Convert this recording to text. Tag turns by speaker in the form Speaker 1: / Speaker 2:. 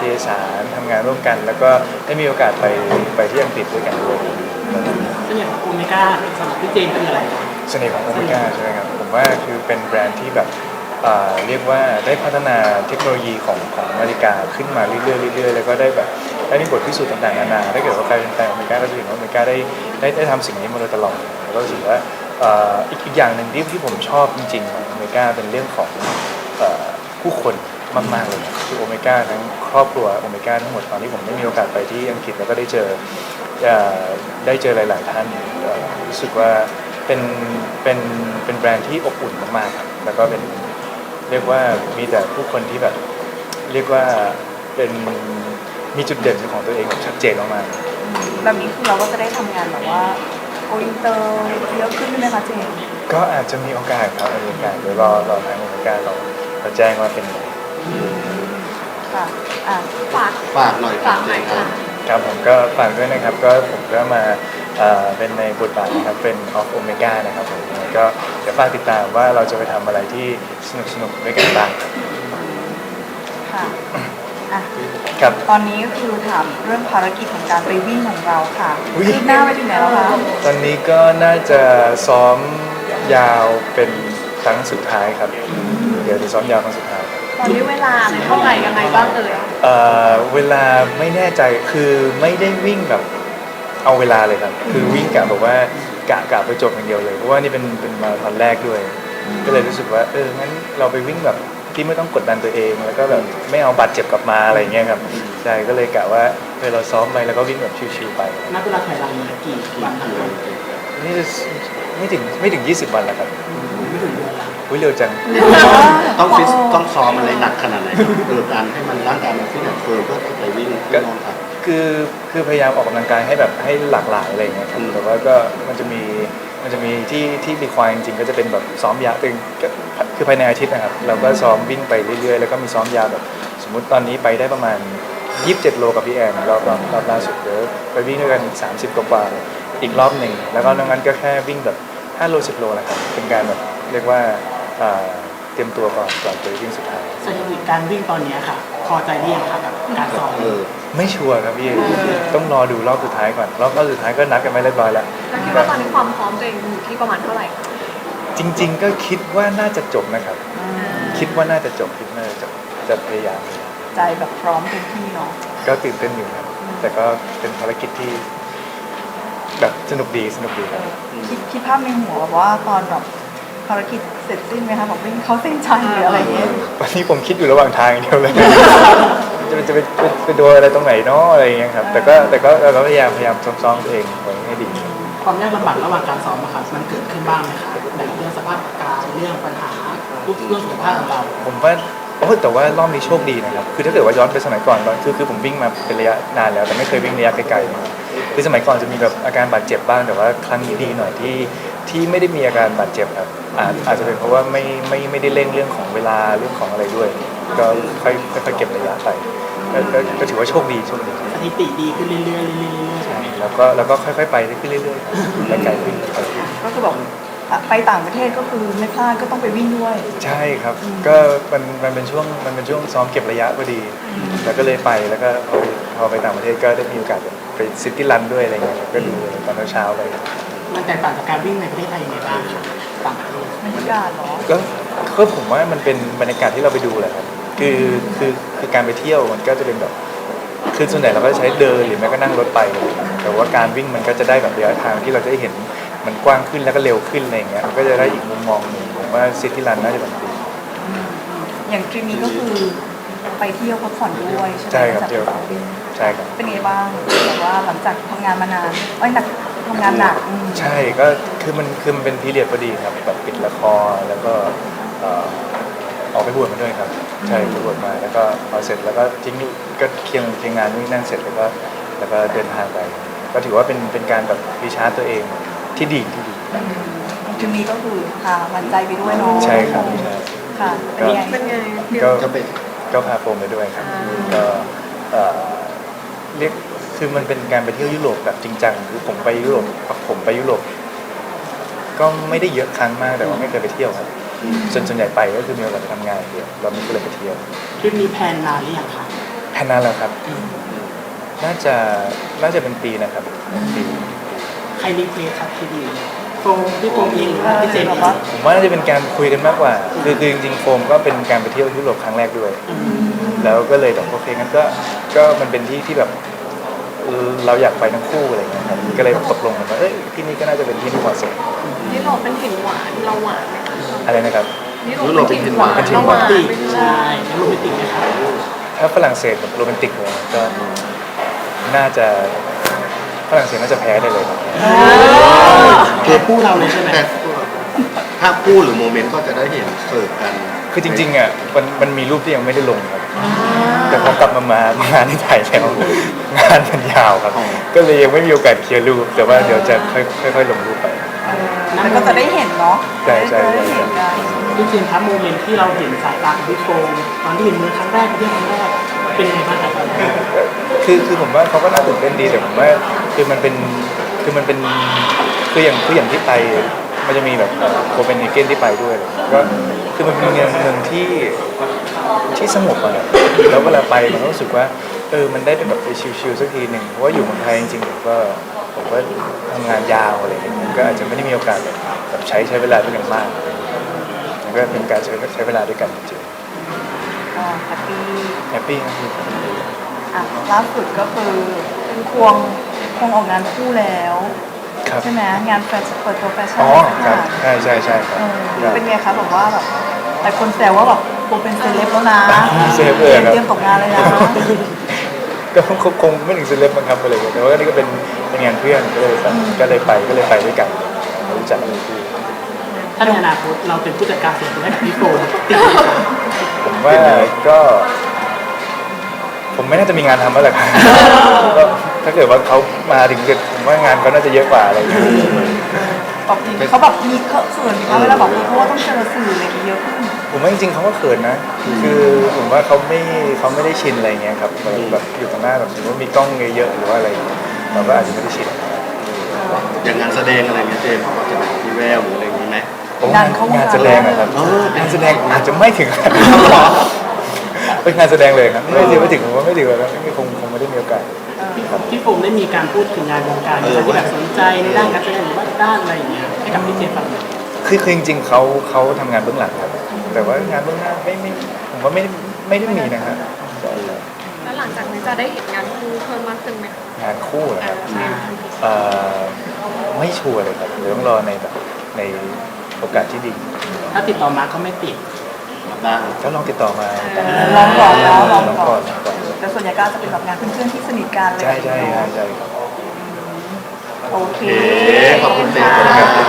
Speaker 1: ทยสารทำงานร่วมกันแล้วก็ได้มีโอกาสไปที่อังกฤษด้วยกันด้วย
Speaker 2: เสน่ห์ของโอเมก้าสำหรับพี่เจนคืออะไร
Speaker 1: เสน่ห์ของโอเมก้าใช่ไหมครับผมว่าคือเป็นแบรนด์ที่แบบเรียกว่าได้พัฒนาเทคโนโลยีของนาฬิกาขึ้นมาเรื่อยๆเรื่อยๆแล้วก็ได้แบบได้มีบทพิสูจน์ต่างๆนานาถ้าเกิดว่าใครเป็นแฟนโอเมก้าก็จะเห็นว่าโอเมก้าได้ทำสิ่งนี้มาโดยตลอดแล้วก็รู้สึกว่าอีกอย่างหนึ่งที่ผมชอบจริงๆของโอเมก้าเป็นเรื่องของผู้คนมากๆเลยคือโอเมก้าทั้งครอบครัวโอเมก้าทั้งหมดตอนที่ผมได้มีโอกาสไปที่อังกฤษแล้วก็ได้เจอหลายๆท่านรู้สึกว่าเป็นแบรนด์ที่อบอุ่นมากๆครับแล้วก็เป็นเรียกว่ามีแต่ผู้คนที่แบบเรียกว่าเป็นมีจุดเด่นของตัวเองแบบชัดเจนมาก
Speaker 3: ๆแบบนี้คือเราก็จะได้ทำงานแบบว่าโกอินเตอร์เยอะขึ้นไหมคะเจน
Speaker 1: ก็อาจจะมีโอกาสครับมีโอกาสเดี๋ยวรอทางโอเมก้าเราแจ้งว่าเป็นไง
Speaker 3: ค่ะ
Speaker 4: ฝากหน่อยครับเจน
Speaker 1: ครับผมก็ฝากด้วยนะครับก็ผมก็มาเป็นในบทบาทนะครับเป็นออฟโอเมก้านะครับผมก็เดี๋ยวฝากติดตามว่าเราจะไปทำอะไรที่สนุกด้วยกันบ้าง
Speaker 3: ค่ะ
Speaker 1: ครับ
Speaker 3: ตอนนี้ก็คือถามเรื่องภารกิจของการไปวิ่งของเราค่ะคืบหน้าไปถึงไหนแล้วคะ
Speaker 1: ตอนนี้ก็น่าจะซ้อมยาวเป็นครั้งสุดท้ายครับเดี๋ยวจะซ้อมยาวครั้งสุดท้าย
Speaker 3: ตอนนี้เวลาเท่าไหร่ยังไงบ้าง
Speaker 1: เวลาไม่แน่ใจคือไม่ได้วิ่งแบบเอาเวลาเลยครับคือวิ่งกะแบบว่ากะไปจบอย่างเดียวเลยเพราะว่านี่เป็นมาราธอนแรกด้วยก็เลยรู้สึกว่างั้นเราไปวิ่งแบบที่ไม่ต้องกดดันตัวเองแล้วก็แบบไม่เอาบาดเจ็บกลับมาอะไรเงี้ยครับใช่ก็เลยกะว่าเราซ้อมไปแล้วก็วิ่งแบบชิวๆไป
Speaker 2: นับเวลาถอยหลังกี่วัน
Speaker 1: นี่ไม่ถึง20 วันแล้วครับ
Speaker 2: ไม่ถึงเดือนละ
Speaker 1: เร็วจัง
Speaker 4: ต้องซ้อมอะไรหนักขนาดไหนการให้มันร่างกายมันขึ้นแบบเฟิร์มเพื่อไปวิ่งก็
Speaker 1: คือพยายามออกกำลังกายให้แบบให้หลากหลายอะไรเงี้ยครับแต่ว่าก็มันจะมีที่รีควายจริงๆก็จะเป็นแบบซ้อมยาวตึงคือภายในอาทิตย์นะครับเราก็ซ้อมวิ่งไปเรื่อยๆแล้วก็มีซ้อมยาวแบบสมมุติตอนนี้ไปได้ประมาณ27 โลกับพี่แอนรอบล่าสุดเดี๋ยวไปวิ่งด้วยกันอีก30 กว่าอีกรอบหนึ่งแล้วก็นอกนั้นก็แค่วิ่งแบบ5 โล 10 โลนะครับเป็นการแบบเรียกว่าเตรียมตัวก่อนไปวิ่งสุดท้าย
Speaker 2: สถิติการวิ่งตอนนี้ค่ะพอใจหรือยังคะกับการซ้อม
Speaker 1: ไม่ชัวร์ครับพี่ต้องรอดูรอบสุดท้ายก่อนรอบสุดท้ายก็นัดกันไม่เรียบร้อยแล้ว
Speaker 3: คิดว่าตอนนี้ความพร้อมตัวเองอยู่ที่ประมาณเท่าไหร่
Speaker 1: จริงๆก็คิดว่าน่าจะจบนะครับคิดว่าน่าจะจบจะพยายาม
Speaker 3: ใจแบบพร้อมเต็มที่เนาะ
Speaker 1: ก็ตื่นเต้นอยู่ครับแต่ก็เป็นภารกิจที่แบบสนุกดีครับ
Speaker 3: คิดภาพในหัวแบบว่าตอนแบบภารกิจเสร็จสิ้นไหมคะบอกวิ่งเขาเส้นชัยหรืออะไรเงี้ย
Speaker 1: วันนี้ผมคิดอยู่ระหว่างทางอย่างเดียวเลยจะไปโดนอะไรตรงไหนเนาะอะไรเงี้ยครับแต่ก็เราพยายามซ้อมตัวเองไว้ให้ดี
Speaker 2: ความยากลำบากระหว่างการซ้อมอะครับมันเกิดขึ้นบ้างไหมครับแบบเรื่องสภาพอากาศเรื่องปัญหาเรื่องสุขภาพของเรา
Speaker 1: ผมว่าแต่ว่ารอบนี้โชคดีนะครับคือถ้าเกิดว่าย้อนไปสมัยก่อนคือผมวิ่งมาเป็นระยะนานแล้วแต่ไม่เคยวิ่งระยะไกลๆคือสมัยก่อนจะมีแบบอาการบาดเจ็บบ้างแต่ว่าครั้งนี้ดีหน่อยที่ไม่ได้มีอาการบาดเจ็บครับอาจจะเป็นเพราะว่าไม่ได้เร่งเรื่องของเวลาเรื่องของอะไรด้วยก็ค่อยเก็บระยะไปก็ถือว่าโชคดี
Speaker 2: สถิติดีขึ้นเรื่อยๆ
Speaker 1: ใช่แล้วก็ค่อยๆไปขึ้นเรื่อยๆไปไกลขึ้น
Speaker 3: ก็คือบอกไปต่างประเทศก็คือไม่พลาดก็ต้องไปวิ่งด้วย
Speaker 1: ใช่ครับก็มันเป็นช่วงซ้อมเก็บระยะพอดีแล้วก็เลยไปแล้วก็พอไปต่างประเทศก็ได้มีโอกาสไปซิตี้รันด้วยอะไรเงี้ยก็ดูตอนเช้าไป
Speaker 2: มันแตกต่างจากการวิ่งในประเทศไทยยังไงบ้างครับต่างประเทศ
Speaker 3: บรรยากาศเหรอ
Speaker 1: ก็ผมว่ามันเป็นบรรยากาศที่เราไปดูแหละครับคือการไปเที่ยวมันก็จะเป็นแบบคือส่วนใหญ่เราก็ใช้เดินหรือแม้ก็นั่งรถไปแต่ว่าการวิ่งมันก็จะได้แบบระยะทางที่เราจะได้เห็นมันกว้างขึ้นแล้วก็เร็วขึ้นอะไรอย่างเงี้ยมันก็จะได้อีกมุมมองนึงผมว่าซิตี้รันน่าจะแบบดี
Speaker 3: อย่างทริปนี้ก็คือไปเที่ยวพักผ่อนด้วยใช่ไหม
Speaker 1: ใช่ครับเที่ยวใช่ครับ
Speaker 3: เป็นไงบ้างแบบว่าหลังจากทำงานมานานหนักทำงานหนัก
Speaker 1: ใช่ก็คือมันเป็นพีเรียดพอดีครับแบบปิดละครแล้วก็ออกไปบวชมาด้วยครับใช่ไปบวชมาแล้วก็พอเสร็จแล้วก็ทิ้งก็เคียงงานนี่นั่งเสร็จแล้วก็เดินทางไปก็ถือว่าเป็นการแบบรีชาร์จตัวเองที่ดี
Speaker 3: ทีนี้ก็คือพามันใจไปด้วยเนาะ
Speaker 1: ใช่ครับใช่
Speaker 3: ค่ะเป็นไง
Speaker 1: ก็พาโฟมไปด้วยครับก็เรียกคือมันเป็นการไปเที่ยวยุโรปแบบจริงจังคือผมไปยุโรปก็ไม่ได้เยอะครั้งมากแต่ว่าไม่เคยไปเที่ยวครับส่วนใหญ่ไปก็คือมีโอกาสไปทำงานเดียวเราไม่เคยไปเที่ยว
Speaker 2: ทริปนี้แพลนนานหรือยังคะ
Speaker 1: แค่นั้นแหละครับน่าจะเป็นปีนะครับเป็นปี
Speaker 2: ใครรีเควสครับทีดีโฟมพี่โฟมเองหรือว่าพี่เจมส์
Speaker 3: แบบ
Speaker 2: เอ
Speaker 3: ว่า
Speaker 2: ง
Speaker 1: ผมว่าน่าจะเป็นการคุยกันมากกว่าคือจริงๆโฟมก็เป็นการไปเที่ยวยุโรปครั้งแรกด้วย แล้วก็เลยแบบโอเคงั้นก็มันเป็นที่ที่แบบเราอยากไปทั้งคู่อะไรเงี้ยครับก็เลยตกลงกันว่าที่นี่ก็น่าจะเป็นที่ที่เหมาะสม
Speaker 5: นี่เราเป็นถิ่นหวานเราหวานไหมคะ
Speaker 1: อะไรนะครับ
Speaker 5: นี่เราเป็นถิ่นหวาน
Speaker 1: เป็นถิ่น
Speaker 5: เรา
Speaker 1: ห
Speaker 5: ห
Speaker 1: วาน
Speaker 5: วาน
Speaker 2: ติ
Speaker 5: ไปด้วย
Speaker 2: ใช่แล้วโรแมนติกไหมครับ
Speaker 1: ถ้าฝรั่งเศสแบบโรแมนติกเลยก็น่าจะฝรั่งเศสน่าจะแพ้ได้เลยครับ
Speaker 2: คือคู่เราเลยใช่ไหม
Speaker 4: แต่ถ้าคู่หรือโมเมนต์ก็จะได้เห็นเสิร์ฟกัน
Speaker 1: คือจริงๆอ่ะมันมีรูปที่ยังไม่ได้ลงครับแต่พอกลับมางานที่ถ่ายแล้วงานมันยาวครับ ก็เลยยังไม่มีโอกาสเคลียร์รูปแต่ว่าเดี๋ยวจะค่อยๆลงรูปไป
Speaker 3: แล้วก็จะได้เห็นเนาะ
Speaker 1: ใช่ใช่
Speaker 3: จะได้เห็นกัน
Speaker 2: พี่เจมส์ครับโมเมนต์ที่เราเห็นสายตาของพี่โฟมตอนที่เห็นมือครั้งแรกที่ครั้งแรกเป็นยังไงบ้างครับตอนนั้น
Speaker 1: คือผมว่าเขาก็น่าตื่นเต้นดีแต่ผมว่าคือมันเป็นคืออย่างที่ไปมันจะมีแบบโคเปนเฮเกนที่ไปด้วยอะไรก็คือมันเป็นเมืองที่สงบอะแล้วเวลาไปมันก็รู้สึกว่ามันได้แบบไปชิลๆสักทีหนึ่งเพราะว่าอยู่เมืองไทยจริงๆผมก็ทำงานยาวอะไรอย่างเงี้ยก็อาจจะไม่ได้มีโอกาสแบบใช้เวลาด้วยกันมากแล้วก็เป็นการใช้เวลาด้วยกันจริง
Speaker 3: ก็แฮปปี้
Speaker 1: ๆแฮปปี้ครับ
Speaker 3: อ่ะล่าสุดก็คือควงออกงานคู่แล้ว
Speaker 1: ครับ
Speaker 3: ใช่ไหมงานแฟชั่นเปิดตัวแฟชั่น
Speaker 1: อ๋อ
Speaker 3: สัก
Speaker 1: ค
Speaker 3: อ
Speaker 1: รับ
Speaker 3: ย่าง
Speaker 1: ใช่ครับ
Speaker 3: เป็นไงคะแบบว่าแบบหลายคนแซวว่าแบบโบเป็นเซเลบแล้วนะ
Speaker 1: เซเลบเลยครับ
Speaker 3: เตรียมตกงานเลยนะ
Speaker 1: ก็คงไม่ถึงเซเลบมั้งครับอะไรอย่างเงี้ยแต่ว่านี่ก็เป็นงานเพื่อนก็เลยไปด้วยกันรู้จักกันคู่
Speaker 2: ถ้าในอนาคตเราเป็นผู้จัดการส่วนตัวให้กับพี่โฟมติดไหมครับ
Speaker 1: ผมว่าก็ผมไม่น่าจะมีงานทำแล้วแหละครับก็ถ้าเกิดว่าเขามาถึงจุดผมว่างานเขาน่าจะเยอะกว่าอะไรอย่างเงี้ย
Speaker 3: แบบเขาแบบมีเขินไหมคะเวลาบอกเพราะว่าต้องเจอสื่ออะไรอย่างเงี้ยเยอะขึ้น
Speaker 1: ผมว่าจริงๆเขาก็เขินนะ คือผมว่าเขาไม่ได้ชินอะไรเงี้ยครับแบบอยู่ตรงหน้าแบบสมมติว่ามีกล้องเยอะๆหรือว่าอะไรอย่างเงี้ยเราก็อาจจะไม่ได้ชิน
Speaker 4: อย่างงานแสดงอะไรเงี้ยเจมส์จะแบบมีแววหรืออะไรอย่างนี้ไหม
Speaker 1: งานแสดงอะครับ
Speaker 4: เออ
Speaker 1: งานแสดงอาจจะไม่ถึงขนาดนั้นเป็นงานแสดงเลยครับไม่ถึงผมว่าไม่ถึงแล้วคงไม่ได้มีโอกาส
Speaker 2: พี่โฟมได้มีการพูดถึงงานวงการที่แบบสนใจในด้านการแสดงหรือว่าด้านอะไรอย่างเงี้ยให้กับพี่เจมส์ฟังหน่อย
Speaker 1: คือจริงๆเขาทำงานเบื้องหลังครับ แต่ว่างานเบื้องหน้าไม่ผมว่าไม่ได้มีนะฮะ
Speaker 5: แล้วหลังจากนี้จะได้เห็นงานคู่เพิ่มมากขึ้นไหมคะ
Speaker 1: งานคู่นะครับไม่ชัวร์เลยครับเดี๋ยวต้องรอในโอกาสที่ดี
Speaker 2: ถ้าติดต่อมาก็ไม่ติด
Speaker 4: ได้
Speaker 1: ก็ลองติดต่อมา
Speaker 3: ลองก่อนเนาะลอง
Speaker 1: ลอง
Speaker 3: ก่
Speaker 1: ก่
Speaker 3: อ
Speaker 1: อน น
Speaker 3: แต่ส่วนใหญ่ก็จะเป็นแบบงานเพื่อนๆที่สนิทกันเลย
Speaker 1: ใช่ครับ
Speaker 3: โอเค
Speaker 4: โอเคขอบคุณเจมส์ครับ